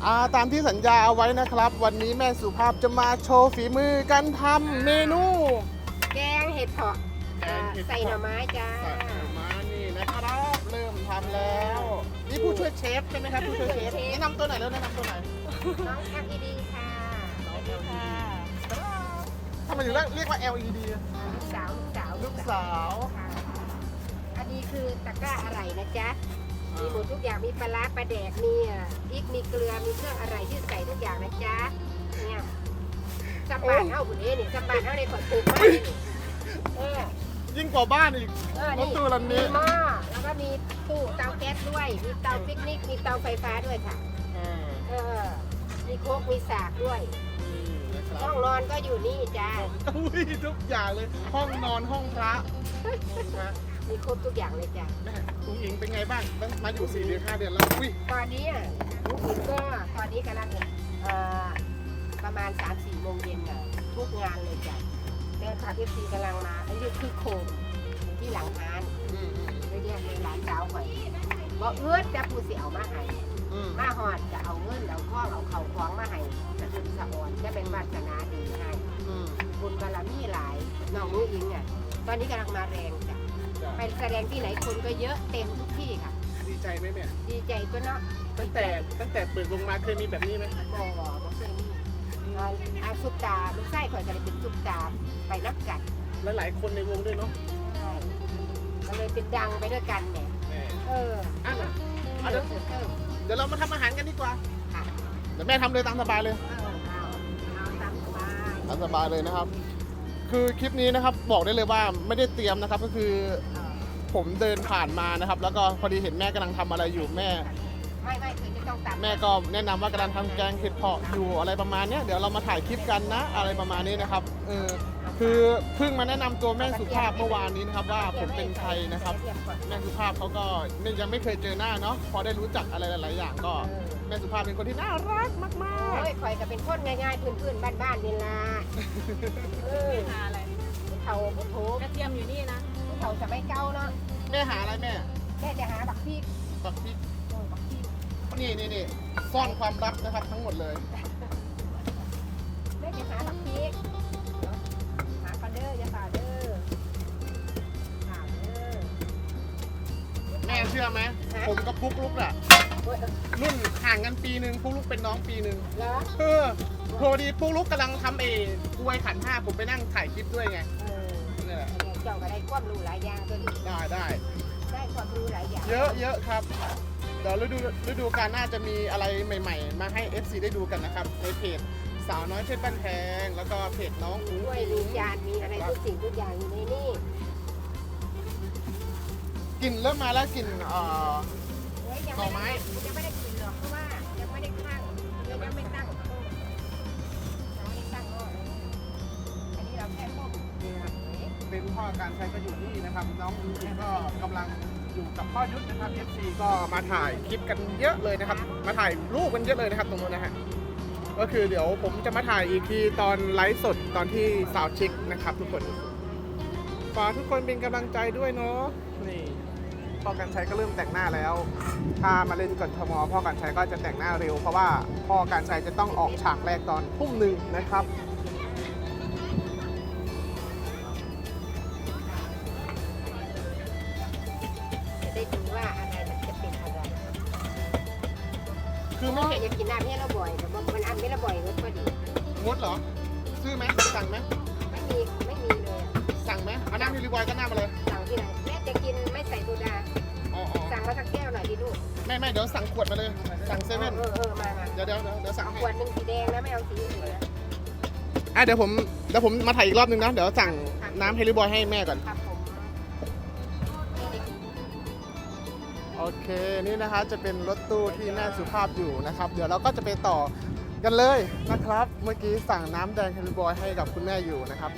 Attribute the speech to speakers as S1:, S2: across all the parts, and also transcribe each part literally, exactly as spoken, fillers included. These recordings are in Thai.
S1: อ่าตามที่สัญญาเอาไว้นะครับ วันนี้แม่สุภาพจะมาโชว์ฝีมือการทำเมนู
S2: แกงเห็ดเผาะ
S1: แกงเห็ดเผาะ
S2: ใส่หน่อไม้จ้า
S1: ใส่หน่อไม้นี่นะครับเริ่มทำแล้ว นี่ผู้ช่วยเชฟใช่ไหมครับผู้ช่วยเชฟแนะนำตัวไหนอยแล้วแนะนำตัวไหนอย
S2: น้องแอลอีดีค่ะ
S1: ทำไมถึงเรียกว่า แอล อี ดี
S2: ลูกสาวลูกสาว
S1: ลูกสาว
S2: ค่ะอันนี้คือตะกร้าอะไรนะจ๊ะมีหมดทุกอย่างมีปลาร้าปลาแดกมีอ่ะพริกมีเกลือมีเครื่องอะไรที่ใส่ทุกอย่างนะจ๊ะเนี่ยสบานเท่าคุณเอ๋นี่สบานเท่าในขอดถูกมากนี่เออ
S1: ยิ่งกว่าบ้านอีก
S2: เออ
S1: รถตู้ลำนี้
S2: มีหม้อแล้วก็มีตู้เตาแก๊สด้วย มีเตาปิกนิก มีเตาไฟฟ้าด้วยค่ะ
S1: อ่า
S2: เออ มีโคกมีสากด้วย
S1: นี่นะครับ
S2: ห้องนอนก็อยู่นี่จ้า
S1: อุ้ยทุกอย่างเลยห้องนอนห้องพระนะ
S2: มีครบทุกอย่างเลยจ้า
S1: แม่คุณหญิงเป็นไงบ้างตั้งมาอยู่สี่เดือนห้าเดือนแล้วอุ้ย
S2: ตอนนี้อ่ะลูกคุณก็ตอนนี้กำลังเอ่อประมาณ สามสี่โมงเย็นอ่ะทุกงานเลยจ้ะแฟนคลับเอฟซีกำลังมาอันนี้คือโคมอยู่ที่หลังร้าน
S1: อืมอืม
S2: ไปเรียกเลยร้านเจ้าหอยบอกเอื้อจะปูเสียวมาให้
S1: อืม
S2: มาหอดจะเอาเงินเอาข้องเอาเข่าคล้องมาให้จะเป็นสะออนจะเป็นวาสนาดีให้
S1: อืม
S2: บุญบารมีหลายน้องนุ้งอิงอ่ะตอนนี้กำลังมาแรงจ้ะ
S1: จ้ะ
S2: ไปแสดงที่ไหนคนก็เยอะเต็มทุกที่ค่ะ
S1: ดีใจไหมแม่
S2: ดีใจก็เนาะ
S1: ตั้งแต่ตั้งแต่เปิดวงมาเคยมีแบบนี้ไหม
S2: บ่บ่บ่เคยมีอ่าอาซุปตาลูกไส้ข่อยก็เลยเป็นซุปตาไปนับกัน
S1: และหลายคนในวงด้วยเนาะ
S2: ใช่ก็เลยเป็นดังไปด้วยกันเนี่ย
S1: แม่
S2: เออ
S1: อ่ะนะ
S2: เอ
S1: เดี๋
S2: อ
S1: ยว
S2: เออ
S1: เดี๋ยวเรามาทำอาหารกันดีกว่า
S2: ค่ะ
S1: เดี๋ยวแม่ทำเลยตามสบายเลย
S2: เอาเอาเอาตามสบาย
S1: ตามสบายเลยนะครับ คือคลิปนี้นะครับบอกได้เลยว่าไม่ได้เตรียมนะครับ ก็คือ
S2: เออ
S1: ผมเดินผ่านมานะครับ แล้วก็พอดีเห็นแม่กำลังทำอะไรอยู่แม่
S2: ไม่ไม่คือจะต้องตาม
S1: แม่ก็แนะนำว่ากำลังทำแกงเห็ดเผาะอยู่อะไรประมาณเนี้ยเดี๋ยวเรามาถ่ายคลิปกันนะ อะไรประมาณนี้นะครับเออคือเพิ่งมาแนะนำตัวแม่สุภาพเมื่อวานนี้นะครับว่าผมเป็นใครนะครับ แม่สุภาพเขาก็ไม่ยังไม่เคยเจอหน้าเนาะพอได้รู้จักอะไรหลาย ๆ อย่างก็แม่สุภาพเป็นคนที่น่ารักมาก
S2: โอ้ยข่อยก็เป็นคนง่ายๆพื้นๆบ้านๆนี่ล่ะเออ
S3: หาอะไร
S2: ผู้เฒ่าผู้โถ
S3: กระเทียมอยู่นี่นะ
S2: ผู้เฒ่าจะไม่เก้าเนาะ
S1: ๆแม่หาอะไรแม่
S2: แม่จะหาบักพริก
S1: บักพริก
S2: เออบักพริก
S1: นี่นี่นี่ซ่อนความลับนะครับทั้งหมดเลย
S2: แม่จะหาบักพริกเดี๋ยวหากันเด้ออย่าฝ่าเด้อหาเด้อ
S1: แม่เชื่อไหมผมกับปุ๊กลุกอะ
S2: โอ้ยเออ
S1: รุ่นห่างกันปีหนึ่งปุ๊กลุกเป็นน้องปีหนึ่ง
S2: เหรอ
S1: เออพอดีปุ๊กลุกกำลังทำเอกล้วยขันห้าผมไปนั่งถ่ายคลิปด้วยไง
S2: เออ
S1: นี่แหละ
S2: เจ้าก็ได้ความรู้หลายอย่างตัวนี้
S1: ได้ได้
S2: ได้ความรู้หลายอย่าง
S1: เยอะเยอะครับเดี๋ยวฤดูฤดูกาลหน้าจะมีอะไรใหม่ ๆ มาให้ เอฟ ซี ได้ดูกันนะครับในเพจสาวน้อยเพชรบ้านแพงแล้วก็เพจน้องอุ้ง
S2: ด้วย
S1: อิ
S2: มี
S1: ง
S2: จานมีอะไรทุกสิ่งทุกอย่างอยู่ในนี่
S1: กลิ่นเริ่มมาแล้วกลิ่นเอ่อ
S2: เฮ้ยยัง
S1: หน่
S2: ไม่
S1: อไม้
S2: ได้ยังไม่ได้กินหรอกเพราะว่ายังไม่ได้ตั้งยังไม่ตั้งยังไม่ได้ตั้งก็อันนี้เราแค่ต้ม
S1: นี่ครับเป็นพ่อการใช้ก็อยู่นี่นะครับ น้องอุ้งอิงก็กำลังอยู่กับพ่อยุทธนะครับ เอฟ ซี ก็มาถ่ายคลิปกันเยอะเลยนะครับ มาถ่ายรูปกันเยอะเลยนะครับตรงนู้นนะฮะก็คือเดี๋ยวผมจะมาถ่ายอีกทีตอนไลฟ์สดตอนที่สาวชิคนะครับทุกคนฝากทุกคนเป็นกำลังใจด้วยเนาะนี่พ่อการใช้ก็เริ่มแต่งหน้าแล้ว ถ้ามาเล่นกทมพ่อการใช้ก็จะแต่งหน้าเร็ว เพราะว่าพ่อการใช้จะต้องออกฉากแรกตอนทุ่มหนึ่งนะครับ
S2: จะได้ดูว่าอะไรมันจะเป็นอะไร
S1: คือไม่
S2: แม่อยากกินน้ำเนี่ยเราบ่อยแต่ว่ามันอันไม่ละบ่อยก็พอดี
S1: งดเหรอ ซื้อไหมสั่งไหม
S2: ไม่มีไม่มีเลยอะ
S1: สั่งไหมเอาน้ำฮิลิบอยก็น้ำมาเลย
S2: สั่งที่ไหนแม่จะกินไม่ใส่โซดา
S1: อ๋ออ๋อ
S2: สั่งมาสักแก้วหน่อยดิลูก
S1: ไม่ไม่เดี๋ยวสั่งขวดมาเลย สั่งเซเว่น
S2: เออเออมามา
S1: เดี๋ยวเดี๋ยวเดี๋ยวเดี๋ยวสั่ง
S2: เอา
S1: ให้
S2: ขวดหนึ่งสีแดงนะไม่เอาสีอื่นนะ
S1: อ่ะเดี๋ยวผมเดี๋ยวผมมาถ่ายอีกรอบนึงนะ เดี๋ยวสั่งน้ำเฮลิบอยให้แม่ก่อน
S2: ครับผม
S1: โอเคนี่นะคะจะเป็นรถตู้ที่แม่สุภาพอยู่นะครับ เดี๋ยวเราก็จะไปต่อกันเลยนะครับ เมื่อกี้สั่งน้ำแดงเฮลิบอยให้กับคุณแม่อยู่นะครับ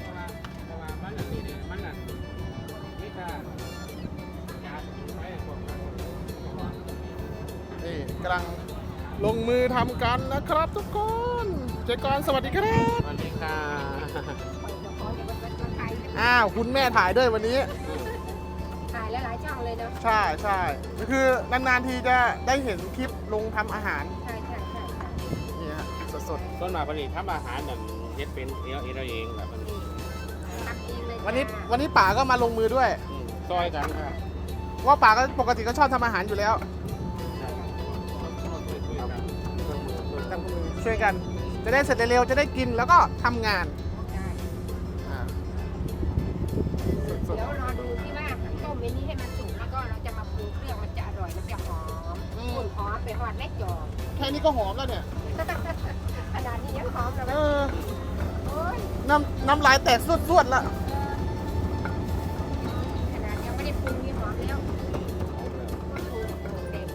S1: นี่กำลังลงมือทำกันนะครับทุกคนเจกรสวัสดีครับ
S4: สวัสดีค่ะ
S1: อ้าวคุณแม่ถ่ายด้วยวันนี้
S2: ถ่ายหลายๆช่องเลยเนาะ
S1: ใช่ใช่คือนานๆทีจะได้เห็นคลิปลงทำอาหาร
S2: ใช่ใช่ใช่ใช่
S1: สด
S3: ต้นมาผลิตทำอาหารนั่นเฮ็ดเป็นเองเองเราเองแบบมัน
S2: นี่ทำเองเลย
S1: วันนี้
S2: จ้า
S1: วันนี้ป๋าก็มาลงมือด้วย
S3: อืมซอยกันครับ
S1: ว่าป๋าก็ปกติก็ชอบทำอาหารอยู่แล้ว
S3: ใช่ช่วยๆกันช่วยมือช่วย
S1: ทำมือช่วยกัน จะได้เสร็จเร็วๆจะได้กินแล้วก็ทำงาน
S2: ใช่
S1: อ่าสด
S2: เดี๋ยวรอดูที่ว่าต้มไว้นี้ให้มันสุกแล้วก็เราจะมาปรุงเครื่องมันจะอร่อยมันจะหอมอุ่นหอมไปหอดแม่จอม
S1: ๆแค่นี้ก็หอมแล้วเนี่ย
S2: ขนาดนี้ยังหอมเลย
S1: เออ
S2: โอ้ย
S1: น้ำน้ำลายแตกสวดๆแล้ว
S2: ขนาดยังไม่ได้ปรุงนี่หอมแล้วปรุงปรุงเด็ก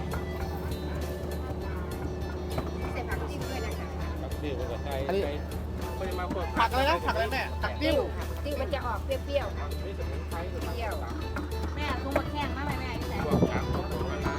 S2: ใส่ผักจิ้มด้วยนะคะ
S3: ครับนี่ก็ใช้ใช้ปริมาณคน
S1: ผักอะไรนะผักอะไรแม่ผักติ้ว
S2: ค่ะติ้วมันจะออกเปรี้ยวๆค่ะ
S3: นี่สมุนไพร
S2: เปรี้ยว
S4: แม่ลุงมาแข่งมาไหมแม่ที่ไหน
S3: พวกผักพวกมะนาว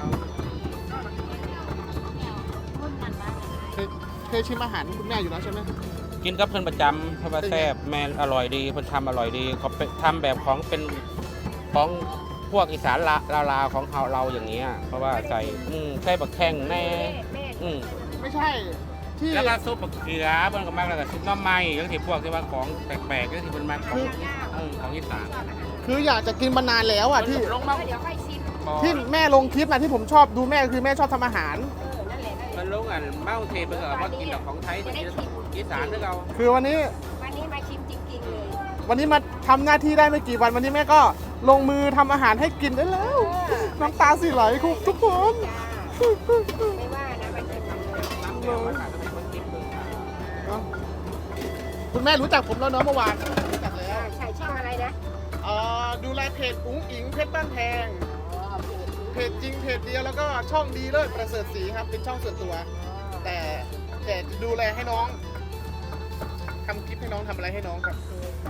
S4: รุ่นมันมา
S1: เคยเคยชิมอาหารคุณแม่อยู่แล้วใช่ไหม
S3: กินกับเพื่อนประจำเพราะว่าแซ่บแม่อร่อยดีเพื่อนทำอร่อยดีเขาเป็นทำแบบของเป็นของพวกอีสานลาวลาวของเราเราอย่างเงี้ยเพราะว่าใส่อืมใส่บักแข้งแน่
S2: แม่แม่
S3: อืม
S1: ไม่ใช่ที่
S3: แล้วก็ซุปมะเขือเพื่อนก็มากแล้วก็ซุปหน้ำไม้ยังที่พวกที่ว่าของแปลกๆก็ที่มันมาของอืมของอีสาน
S1: คืออยากจะกินมานานแล้วอ่ะที่
S3: ลงมา
S2: เดี๋ยวค่อยชิม
S1: ที่แม่ลงคลิปนะที่ผมชอบดูแม่คือแม่ชอบทำอาหาร
S2: เออนั่นแหละนั่นแห
S3: มั
S2: ละ
S3: นลงอ่ะเมาเทไปเถอะว่ากินแต่ของไทยกินอีสานด้วยเรา
S1: คือวันนี้
S2: วันนี้มาชิมจริงๆเลย
S1: วันนี้มาทำหน้าที่ได้ไม่กี่วันวันนี้แม่ก็ลงมือทำอาหารให้กินได้แล้ว น้ำตาสิไหลคุณทุกคน
S2: จ้าไม่ว่านะมาชิมกันเลย
S3: น้ำเดียวมันอาจจะเป็นคนกินเมืองไทย
S1: เอ้าคุณแม่รู้จักผมแล้วเนาะเมื่อวานรู้จักแล้ว
S2: ใช่ช่องอะไรนะ
S1: เอ่อดูแลเพจอุ้งอิงเพชรบ้านแพง
S2: อ๋อเพจ
S1: เพจจริงเพจเดียวแล้วก็ช่องดีเลิศประเสริฐศรีครับเป็นช่องส่วนตัว แต่แต่ดูแลให้น้องทำคลิปให้น้องทำอะไรให้น้องครับ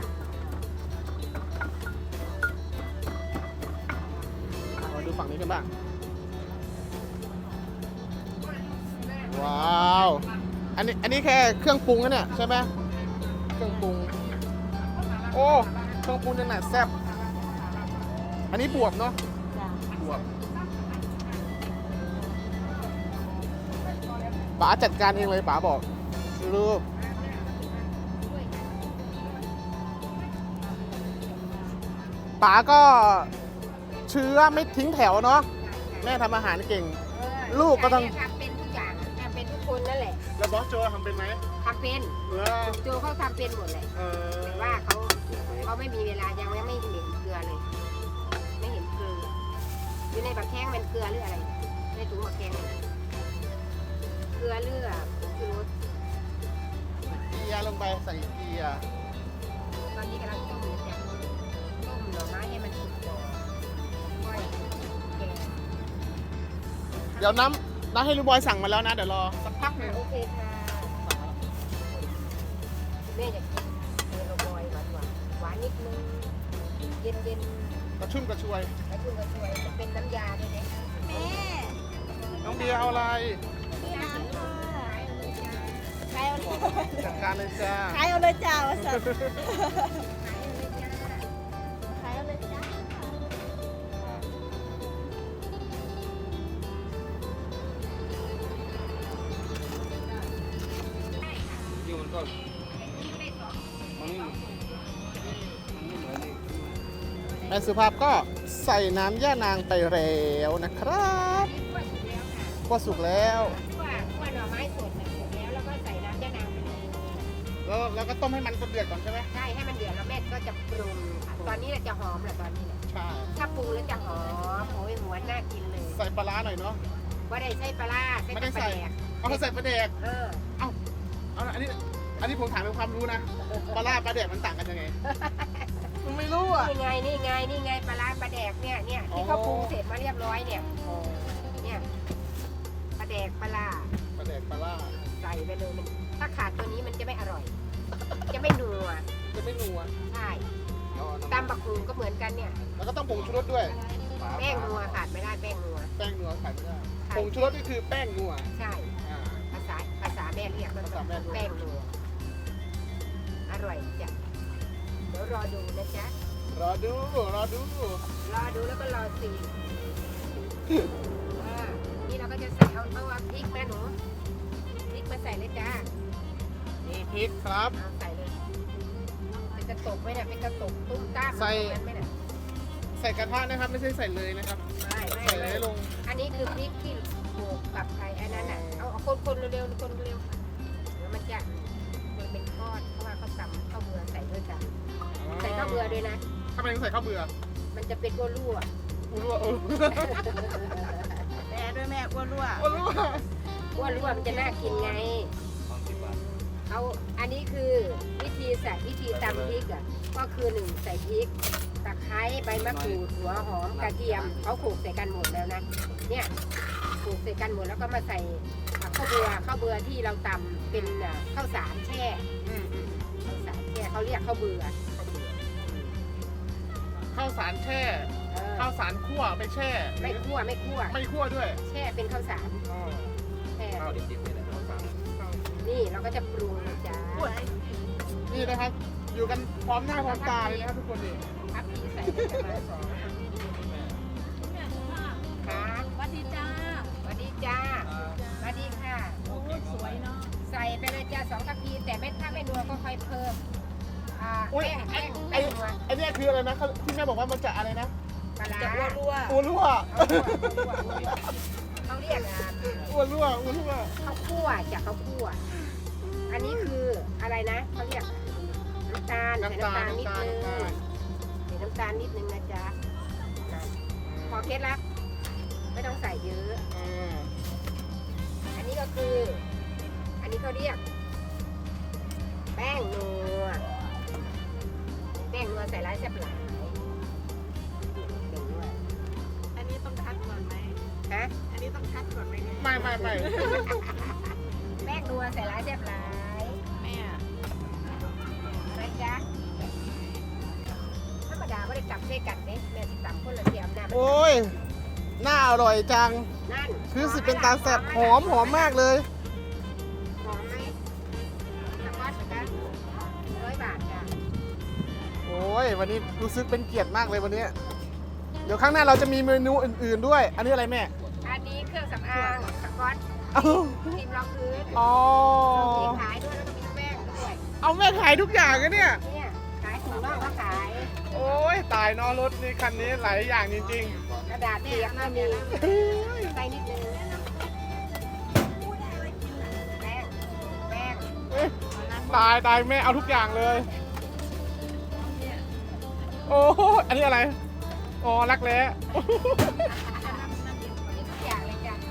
S1: มาดูฝั่งนี้กันบ้างว้าวอันนี้อันนี้แค่เครื่องปรุงนะเนี่ยใช่ไหมเครื่องปรุงโอ้เครื่องปรุงยังหนาแซ่บอันนี้บวบเนาะ
S4: จ้ะ
S1: บวบป๋าจัดการเองเลยป๋าบอกรูปป๋าก็เชื้อไม่ทิ้งแถวเนาะแม่ทำอาหารเก่ง ลูกก็ต้อง
S2: ทำเป็นทุกอย่างทำเป็นทุกคนนั่นแหละ
S1: แล้วบอสโจทำเป็นไหม
S2: ทำเป็น
S1: เออ
S2: โจเขาทำเป็นหมดเลย
S1: เออ
S2: แต่ว่าเขาเขาไม่มีเวลายังไม่เห็นเกลือเลย ไม่เห็นเกลืออยู่ในบักแข้งมันเกลือหรืออะไรในถุงบักแข้งเนี่ยเกลือเลือดคือรส
S1: เกียร์ลงไปใส่เกียร์
S2: ตอนนี้กำลังต้มอยู่จ้ะต้มหน่อไม้ให้มันสุกก่อนค่อยแกง
S1: เดี๋ยวน้ำน้ำให้ลูกบอยสั่งมาแล้วนะเดี๋ยวรอสักพักหนึ่ง
S2: โอเคค่ะแม่อยากกินเมโลบอยหวานหวานหวานนิดนึงเย็นเย็น
S1: กระชุ่มกระชวย
S2: ๆแล้วคุณก็ช่วยจะเป็นน้ำยาด้วยนะ
S4: แม่
S1: น้องเบียร์เอาอะไร
S4: นี่น้ำค่ะใครเอาเลย
S1: จัดการเลยจ้า
S4: ใครเอาเลยจ้าวะสัตว์ใครเอาเลยจ้า
S3: ยิ่งมันก็มันไม่มันไม่เหมือนนี่
S1: แม่สุภาพก็ใส่น้ำย่านางไปแล้วนะครับก็สุกแล้ว
S2: คั่วคั่วหน่อไม้สดน่ะสุกแล้วแล้วก็ใส่น้ำยะนางไปเลย
S1: แล้วแล้วก็ต้มให้มันเดือดก่อนใช่ไหม
S2: ใช่ให้มันเดือดแล้วแม่ก็จะปรุงค่ะตอนนี้เราจะหอมแหละตอนนี้แหละ
S1: ใช่
S2: ถ้าปรุงแล้วจะหอมโอ้ยหัวน่ากินเลย
S1: ใส่ปลาร้าหน่อยเนาะ
S2: ว่าได้ใช้ปลาร้าใช้
S1: ไม่
S2: ก
S1: ได้
S2: ระ
S1: ใส่
S2: เดียก
S1: เอาใส่ปลาแดก
S2: เออ
S1: เอาละอันนี้อันนี้ผมถามเป็นความรู้นะปลาร้าปลาแดกมันต่างกันยังไงผมไม่รู้อ่ะ
S2: นี่ไงนี่ไงนี่ไงปลาร้าปลาแดกเนี่ยเนี่ยที่เขาปรุงเสร็จมาเรียบร้อยเนี่ยเนี่ยปลาแดกปลาร้า
S1: ปลาแดกปลาร้า
S2: ใส่ไปเลยมันถ้าขาดตัวนี้มันจะไม่อร่อย จะไม่นัว
S1: จะไม่นัว
S2: ใช่
S3: เอาน้ำ
S2: ตำบักหุ่งก็เหมือนกันเนี่ย
S1: แล้วก็ต้องผงชูรสด้วย
S3: ปลา
S2: แป้งนัวขาดไม่ได้แป้งนัว
S1: แป้งนัวขายไม่ได้
S2: ใช่
S1: ผงชูรสนี่คือแป้งนัว
S2: ใช่
S1: อ่า
S2: ภาษาภาษาแม่เรียกมัน
S1: ภาษาแม่เรียก
S2: แป้งนัวอร่อยจ้ะเดี๋ยวรอดูนะจ๊ะ
S1: รอดูรอดู
S2: รอดูแล้วก็รอซีอ่านี่เราก็จะใส่เอาเอาพริกมาหนูพริกมาใส่เลยจ้า
S1: พริกครับ
S2: เอาใส่เลยเป็นกระตกไหมเนี่ยเป็นกระตกตุ้มต้าม
S1: ใส่
S2: ตรงนั้นไหมเนี่ย
S1: ใส่กระทะนะครับ ไม่ใช่ใส่เลยนะครับ
S2: ไม่ไม่
S1: ใส่เล
S2: ไม่
S1: ยลง
S2: อันนี้คือพริกที่โขลกกับไข่อันนั้นอ่ะเอาเอาคนๆเร็วๆคนเร็วๆเดี๋ยวมันจะมันเป็นก้อนเพราะว่าเขาตำข้าวเบื่อใส่ด้วยกันใส่ข้าวเบื่อด้วยนะ
S1: ทำไมต้องใส่ข้าวเบื่อ
S2: มันจะเป็นก้รั่ว
S1: อ้วนรั่วอ้วน
S4: แม่ด้วยแม่อ้วนรั่ว
S1: อ้วนรั่ว
S2: ก้รั่วมันจะน่ากินไงเอาอันนี้คือวิธีใส่วิธีตำพริกอ่ะก็คือหนึ่งใส่พริกตะไคร้ใบมะกรูดหัวหอมกระเทียมเขาโขลกใส่กันหมดแล้วนะเนี่ยโขลกใส่กันหมดแล้วก็มาใส่ข้าวเบื่อข้าวเบื่อที่เราตำเป็นอ่ะข้าวสารแช่
S1: อืมอืม
S2: ข้าวสารแช่เขาเรียกข้าวเบื่อ
S1: ข้าวสารแช่
S2: เออ
S1: ข้าวสารคั่วไปแช่
S2: ไม่คั่วไม่คั่ว
S1: ไม่คั่วด้วย
S2: แช่เป็นข้าวสาร
S1: อ๋อ
S2: แช่
S3: ข้าวดิบๆนี่แหละข้าวสาร
S2: นี่เราก็จะปรุงนะจ๊ะ
S1: นี่นะครับ อยู่กันพร้อมหน้าพร้อมตาเลยนะครับทุกคนนี่
S2: ทับพีใส่ไปประมาณสองครับ
S4: สวัสดีจ้า
S2: สวัสดีจ้าสวัสดีค่ะ
S4: โอ้สวยเนาะ
S2: ใส่ไปเลยจ้าสองทัพพีแต่ไม่ถ้าไม่นัวก็ค่อยเพิ่มอ่า
S1: อุ๊ย
S2: แป้ง
S1: ไอ้
S2: แป้ง
S1: ไอ้
S2: แป้งนัว
S1: ไอ้เนี่ยคืออะไรนะเขาที่แม่บอกว่ามันจะอะไรนะ
S2: ปลาร้า
S4: จะอ้วนรั่ว
S1: อ้วนรั่ว
S2: เขาเรียกอ่ะ
S1: อ้วนรั่วอ้วนรั่ว
S2: ข้าวคั่วจากข้าวคั่วอันนี้คืออะไรนะเขาเรียกน้ำตาลใส่
S1: น้ำตาล
S2: น้ำตาลนิด
S1: น้ำตาล
S2: นึง
S1: น้ำตาล
S2: ใส่น้ำตาลนิดนึงนะจ๊ะนั่นพอเคล็ดลับไม่ต้องใส่เยอะ
S1: อืม
S2: อันนี้ก็คือ อันนี้เขาเรียก แป้งนัวแป้งนัวใส่ร้ายแซ่บหลายเก่งด้วย
S4: อันนี้ต้องคัดก่อนไหม
S2: ฮะ
S4: อันนี้ต้องคัดก่อนไหมเนี่ย
S1: ไม่ไม่ไม่
S2: แป้งนัวใส่ร้ายแซ่บหลาย
S4: แม่
S2: อะไรจ๊ะธรรมดาไม่ได้จับเส้กันเด้แม่สิตำคนละเทียมนะ
S1: โอ้ยน่าอร่อยจัง
S2: นั่น
S1: คือสิเป็นตาแซ่บหอมหอมมากเลย
S2: หอมไหมสก๊อตนะคะร้อยบาทจ้ะ
S1: โอ้ยวันนี้รู้สึกเป็นเกียรติมากเลยวันนี้ เดี๋ยวข้างหน้าเราจะมีเมนูอื่นๆด้วย อันนี้อะไรแม่
S2: อันนี้เครื่องสำอางสก๊อต
S1: เอ้า
S2: ครีมรองพื้น
S1: อ๋อ
S2: มีขายด้วยแล้วก็มีแป้งด้วย
S1: เอาแม่ขายทุกอย่างกันเนี่ย
S2: เนี่ยขายถุงน่องก็ขาย
S1: โอ้ยตายเนอรถนี่คันนี้หลายอย่างจริง
S2: กระดาษเปียกก็มีใส่นิดนึงแป้งแป้ง
S1: ๆเอ้ยตายตายแม่เอาทุกอย่างเลย โอ้อันนี้อะไร อ๋อรักแร้
S2: นี่ทุกอย่างเลยจ้ะ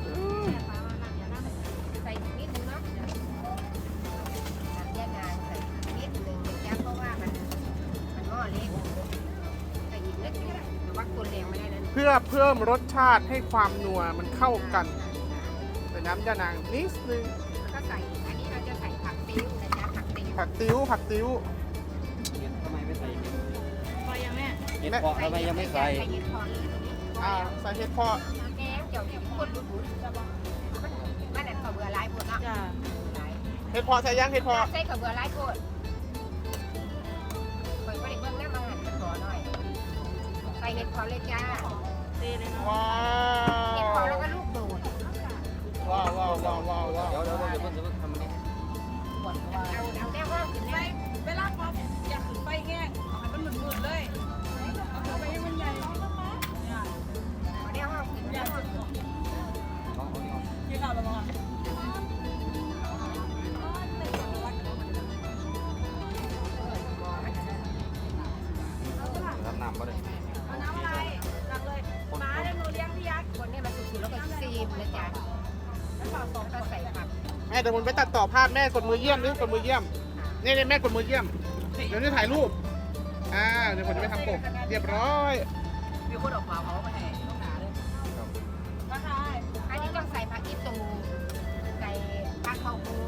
S2: ใส่นิดนึงเนาะน้ำยานางใส่นิดนึงนะจ๊ะเพราะว่ามันมันหม้อเล็กใส่อีกนิดนึงแต่ว่าคนแรงไม่ได้แล้ว
S1: เพื่อเพิ่มรสชาติให้ความนัวมันเข้ากันใส่น้ำยานางนิดนึง
S2: แล้วก็ใส่อันนี้เราจะใส่ผักติ้วนะจ๊ะผักติ้ว
S1: ผักติ้วผักติ้ว
S3: ทำไมไม่ใส่เห็ด
S4: พอยังแม่
S3: เห็ดเพาะทำไมยังไม่ใส่
S2: ใส่เห็ดพอเลย
S1: อ่าใส่เห็ดเพาะ
S2: แกงเกี่ยวกับคนบุญบุญมันอันข้าวเบื่อหลายคนเนาะ
S4: จ้า
S2: หลาย
S1: เห็ดเพาะใส่ยังเห็ดเพาะ
S2: ใส่ข้าวเบื่อหลายคนคอยก็ได้เบิ่งแล้วมาหั่นขอหน่อยใส่เห็ดพอเลยจ้า
S4: เทเลยเนาะ
S1: ว้า
S2: เห็ดพอแล้ว
S1: ว
S2: ก็ลูกโดด
S1: ว้าวว้าวว้าวว้าวว้าว
S3: เดี๋ยวเดี๋ยวเดี๋ยวเพิ่งเดี๋ยวเพิ่งทำอันนี้
S2: เอาเอาแก้วว่ากิน
S4: ไฟ
S2: ได้
S4: เวลาพออยากถึงไฟแห้งเอาให้มันหมืดๆเลยเอาเข้าไปให้มันใหญ่เนี่ย
S2: เอาแก้วว่ากินได้
S3: ลองเอาดีกว่า
S4: เกี่ยวกับอะไรบ้าง
S3: ทำน้ำก็ได้
S4: เอาน้ำอะไรตักเลยม้าเดี๋ยวหนูเลี้ยงพี่ยักษ์
S2: คนนี้มันสุกๆแล้วก็ซีมนะจ๊ะ
S4: แล้วฝากสอง
S2: แล้วก็ใส่ผัก
S1: แม่เดี๋ยวผมไปตัดต่อภาพแม่กดมือเยี่ยมดิกดมือเยี่ยมนี่นี่แม่กดมือเยี่ยม เดี๋ยวนี้ถ่ายรูป อ่า เดี๋ยวผมจะไปทำปกเรียบร้อย
S4: มีคนออกมาเขามาให้ต้องหาเลยราคา
S2: อันนี้ต้องใส่ผักอีตูใส่ผักข้าวม้วน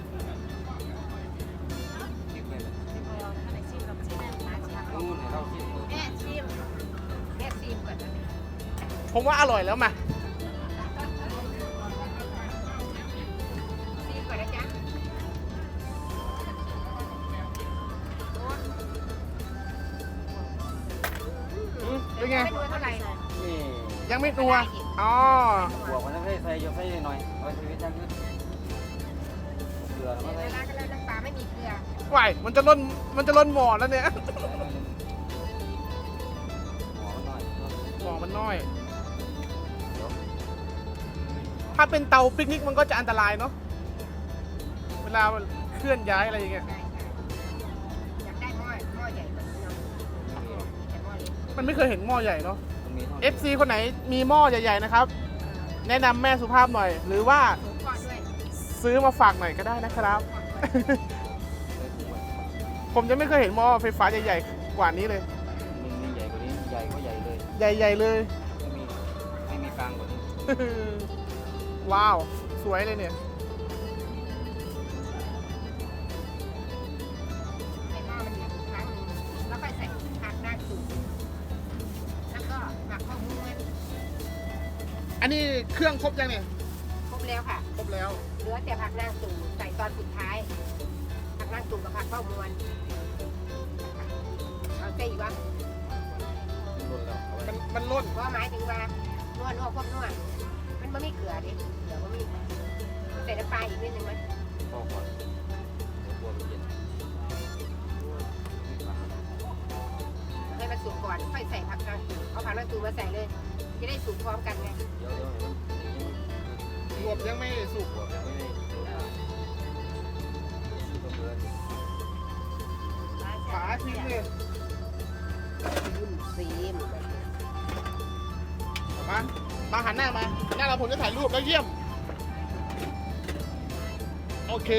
S3: เก็บไว้เลย
S4: อันไหนชิมกับชิมแม่
S2: มาชิม
S3: นู่นให้เราชิมเลย
S4: แม่ชิม
S2: แม่ซีมก่อนนะ
S1: ผมว่าอร่อยแล้วมา
S2: ซีมก่อนนะจ๊ะ
S1: อืมเป็นไง
S2: ไม่ดูเท่าไหร่
S3: นี่
S1: ยังไม่นัวอ๋อ
S3: บวกมันต้องใส่ใส่ยกใส่หน่อยเอาไปชีวิตยังขึ้นเกลือแล้ว
S2: เว
S3: ก็ใส่
S2: ลาก็แล้วน้ำปลาไม่ไม่มีเกลือ
S1: ไหวมันจะล้นมันจะล้นหม้อแล้วเนี่ย หม้อมันน้อย ถ้าเป็นเตาปิกนิกมันก็จะอันตรายเนาะ เวลาเคลื่อนย้ายอะไรอย่างเงี้ย
S2: ใช่ค่ะอยากได้หม้อหม้อใหญ่แบบนี้เนาะแต่หม้อเล็ก
S1: มันไม่เคยเห็นหม้อใหญ่เนาะ
S3: มันมีท่า
S1: เอฟ ซี คนไหนมีหม้อใหญ่ๆนะครับ แนะนำแม่สุภาพหน่อย หรือว่า
S2: สูงก่อนด้วย
S1: ซื้อมาฝากหน่อยก็ได้นะครับ ผมจะไม่เคยเห็นหม้อไฟฟ้าใหญ่ๆกว่านี้เลย
S3: มันมีใหญ่กว่านี้ใหญ่ก็ใหญ่เลย
S1: ใหญ่ๆเลย
S3: ไม่มีไม่มีกลางกว่านี้
S1: ว้าว สวยเลยเนี่ย
S2: ให้หม้อมันเดือดอีกครั้งหนึงแล้วค่อยใส่ผักหน้าสูงแล้วก็หมักข้าวม้วน
S1: อันนี้เครื่องครบยังเนี่ย
S2: ครบแล้วค่ะ
S1: ครบแล้ว
S2: เหลือแต่ผักนางตูใส่ตอนสุดท้าย ผักนางตูกับผักข้าวมวนเอาเส้อีกวะ
S3: รุนแล้วเอาไว้
S1: มันมันล้น
S2: เพราะหมายถึงว่านวดนวดพวกนวดมันไม่มีเกลือดิเกลือก็มีใส่น้ำปลาอีกนิดนึงไหม
S3: พอก่อนเดี๋ยวกลัวมันเย็น
S2: ให้มันสุกก่อนค่อยใส่ผักนางตูเอาผักนางตูมาใส่เลย จะได้สุกพร้อมกันไง
S3: เดี๋ยวเดี๋ยวเดี๋ยว
S1: รวมยังไม่สุก
S3: กลัวยังไม่ได้สุกก็เบื่อ
S1: ฝาทิ้งเลย
S2: ซีมซีม
S1: เอามามาหันหน้ามาหันหน้าเราผมจะถ่ายรูปแล้วเยี่ยม โอเค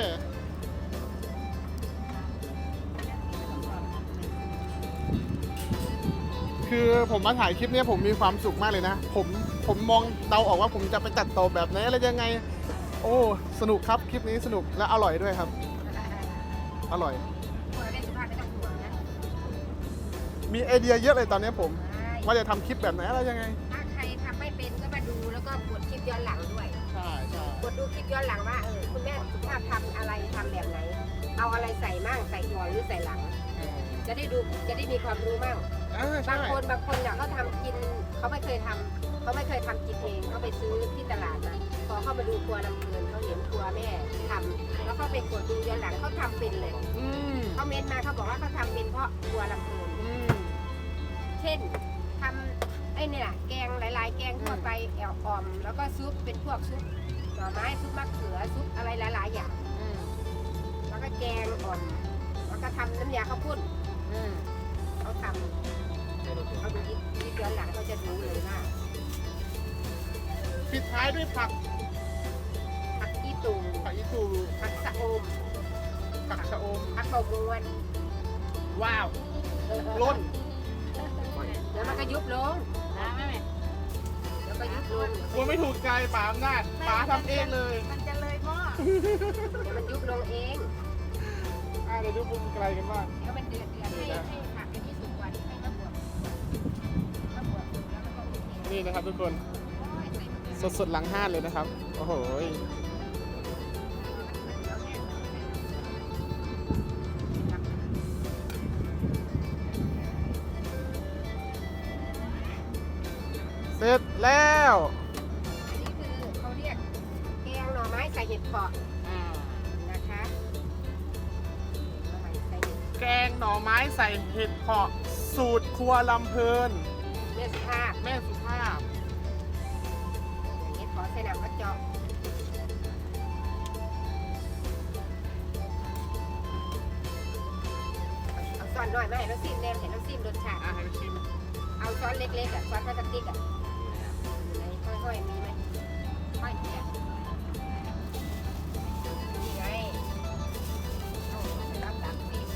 S1: คือผมมาถ่ายคลิปเนี้ยผมมีความสุขมากเลยนะ ผมผมมองเดาออกว่าผมจะไปตัดต่อแบบไหนอะไรยังไง โอ้สนุกครับคลิปนี้สนุกและอร่อยด้วยครับ อร่อย
S2: คนเล่นสุภาพไม่ต้องห่วงนะ
S1: มีไอเดียเยอะเลยตอนนี้ผม
S2: ใช่
S1: ว่าจะทำคลิปแบบไหนอะไรยังไง
S2: ถ้าใครทำไม่เป็นก็มาดูแล้วก็กดคลิปย้อนหลังด้วย
S1: ใช่ใช่
S2: กดดูคลิปย้อนหลังว่าเออคุณแม่สุภาพทำอะไรทำแบบไหน เอาอะไรใส่มั่งใส่ก่อนหรือใส่หลัง จะได้ดูจะได้มีความรู้มั่ง
S1: อ่า
S2: บา
S1: ใช่
S2: งคนบางคนเนี่ยเขาทำกินเขาไม่เคยทำเขาไม่เคยทำกินเองเขาไปซื้อที่ตลาดมาพอเข้ามาดูครัวลำเพลินเขาเห็นครัวแม่ทำแล้วเขาไปกดดูย้อนหลังเขาทำเป็นเลย
S1: อืม
S2: เขาเม้นมาเขาบอกว่าเขาทำเป็นเพราะครัวลำเพลิน
S1: อืม
S2: เช่นทำไอ้เนี่ยแกงหลาย ๆ แกงทั่วไปแอลออม แล้วก็ซุปเป็นพวกซุปหน่อไม้ซุปมะเขือซุปอะไรหลาย ๆ อย่าง
S1: อืม
S2: แล้วก็แกงอ่อมแล้วก็ทำน้ำยาข้าวปุ้น
S1: อืม
S2: เขาทำเขาดูยิบยิบย้อนหลังเขาจะรู้เลยว่า
S1: ปิดท้ายด้วยผัก
S2: ผักอีตู
S1: ผักอีตู
S2: ผักสะอม
S1: ผักชะอม
S2: ผักเบาบวน
S1: ว้าว ล้น
S2: เดี๋ยวมันก็ยุบลง
S4: นะแม่แม่
S2: แล้วก็ยุบลง
S1: กลัวไม่ถูกใจป๋าอำนาจป๋าทำเองเลย
S4: มันจะเลยหม้อ
S2: เดี๋ยวมันยุบลงเอง
S1: อ่าเดี๋ยวดูมุมไกลกันบ้าง
S2: เดี๋ยวมันเดือดเดือดให้ให้ผักอันนี้สุกกว่านี้ให้มะบวบมะบวบแล้วมันก็โอเค
S1: นี่นะครับทุกคน
S2: โอ้ยใส่มะเขือ
S1: สดๆหลังห้านเลยนะครับ โอ้โหยเสร็จแล้ว
S2: อันนี้คือเขาเรียกแกงหน่อไม้ใส่เห็ดเผาะนะคะหน่อไม้ใส่เห็ด
S1: แกงหน่อไม้ใส่เห็ดเผาะสูตรครัวลำเพลิน
S2: เลือดสุภาพ
S1: แม่สุภาพ
S2: เห็ดเผาะใส่น้ำกระจอกเอาซ้อนหน่อยมาให้เราซิมแนมเห็นเราซิมรสชาติ
S1: อาหารชิม
S2: เอาช้อนเล็กๆอ่ะช้อนพลาสติกอ่ะอยู่ในค่อยๆมีไหมค่อยเนี่ยนี่ไงเอาไปรับสามสิบ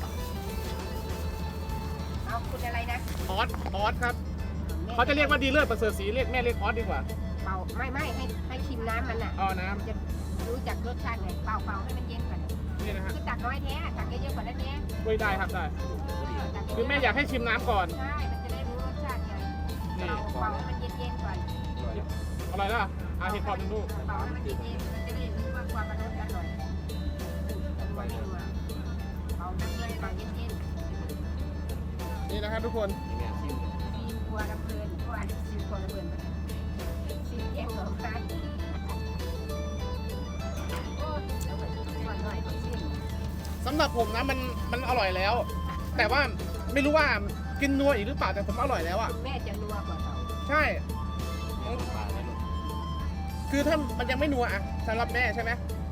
S2: เอาคุณอะไรนะ
S1: ออสออสครับ เขาจะเรียกว่าดีเลิศประเสริฐศรีเรียกแม่เรียกออสดีกว่า
S2: เป่าไม่ไม่ให้ให้ชิมน้ำมันอ่ะ
S1: เอาน้
S2: จะรู้จักรสชาติไงเป่าเป่าให้มันเย็นก่อน
S1: ำนี่นะฮะ
S2: คือตักน้อยแท้ตักเยอะๆกว่านั้นเนี้ย
S1: ด้วยได้ครับได้
S2: ตักเยะๆ
S1: คือแม่อยากให้ชิมน้ำก่อน
S2: ใช่มันจะได้รู้รสชาติไง
S1: นี่
S2: เป่าเป่าให้มันเย็นๆก่อน
S1: อร่อยนะอาเห็ดเผาหนึ่งลูก
S2: เป่าให้มันเย็นๆมันจะได้รู้ว่าความมันรสอร่อยไม่นัวเป่าน้ำเย็นเป่าเย็น
S1: นี่นะครับทุกคน
S3: นี่แม่ชิม
S2: ๆซีครัวน้ำเพลินเพราะว่าซีครัวน้ำเพลินซีแกงหน่อไม้โอ้ยเอาไปก่อนหน่อยก่อนซิ
S1: สำหรับผมนะมันมันอร่อยแล้ว แต่ว่าไม่รู้ว่ากินนัวอีกหรือเปล่าแต่ผมอร่อยแล้วอ่ะ
S2: คุณแม่จะนัวกว่าเรา
S1: ใช่ คือถ้ามันยังไม่นัวอะสำหรับแม่ใช่ไหม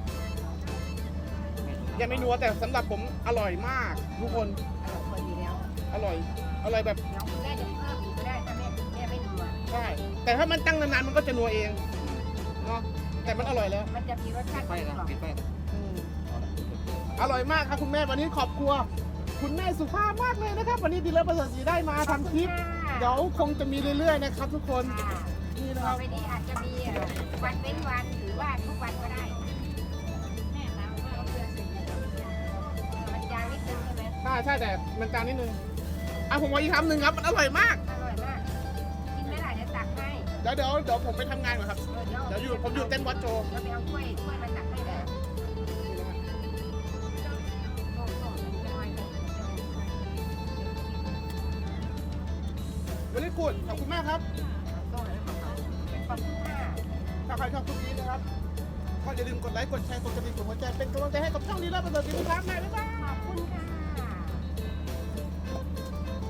S1: ยังไม่นัวแต่สำหรับผมอร่อยมากทุกคน
S2: อร่อยกว่าอยู่แล้ว
S1: อร่อยอร่อยแบบ
S2: เดี๋ยวคุณแม่จะเพิ่มอีกก็ได้ถ้าแม่แม่ไม่นัว
S1: ใช่แต่ถ้ามันตั้งนานๆมันก็จะนัวเองเนาะแต่มันอร่อยแล้ว
S2: มันจะมีรสชาติกลมกล่อม
S1: อืมอร่อยมากครับคุณแม่วันนี้ขอบครัวคุณแม่สุภาพมากเลยนะครับ วันนี้ดีเลิศประเสริฐศรีได้มาทำคลิปเดี๋ยวคงจะมีเรื่อยๆนะครับทุกคน
S2: ค่ะ
S1: นี่นะค
S2: ต่อ
S1: รับ
S2: ไปนี้อาจจะมีวันเว้นวันหรือว่าทุกวันก็ได้แม่ตามว่าเอาเกลือใส่เยอะมันจางนิดนึงใช่ไหม
S1: ใช่ใช่แต่มันจานนิดนึงอ่ะผมว่าอีกคำหนึ่งครับมันอร่อยมาก
S2: อร่อยมากกินไม่ได้เดี๋ยวตักให้
S1: เดี๋ยวเดี๋ยวเดี๋ยวผมไปทำงานก่อนครับ
S2: เออ
S1: เดี๋ยวอยู่ผมอยู่เต้นวัดโจ
S2: เราไปเอาถ้วยถ้วยมาตักให้เลยต้มต้มเป็นไงกัน
S1: วันนี้กูดขอบคุณมากครับ
S2: ต้มแล้วขอบคุณขอบคุณค่ะ
S1: ถ้าใครชอบคลิปนี้นะครับก็อย่าลืมกดไลค์กดแชร์กดกระดิ่งกดหัวใจเป็นกำลังใจให้กับช่องนี้แล้วประเสริฐศรีทุกท่านนะบ๊ายบาย
S2: ขอบคุณค่ะ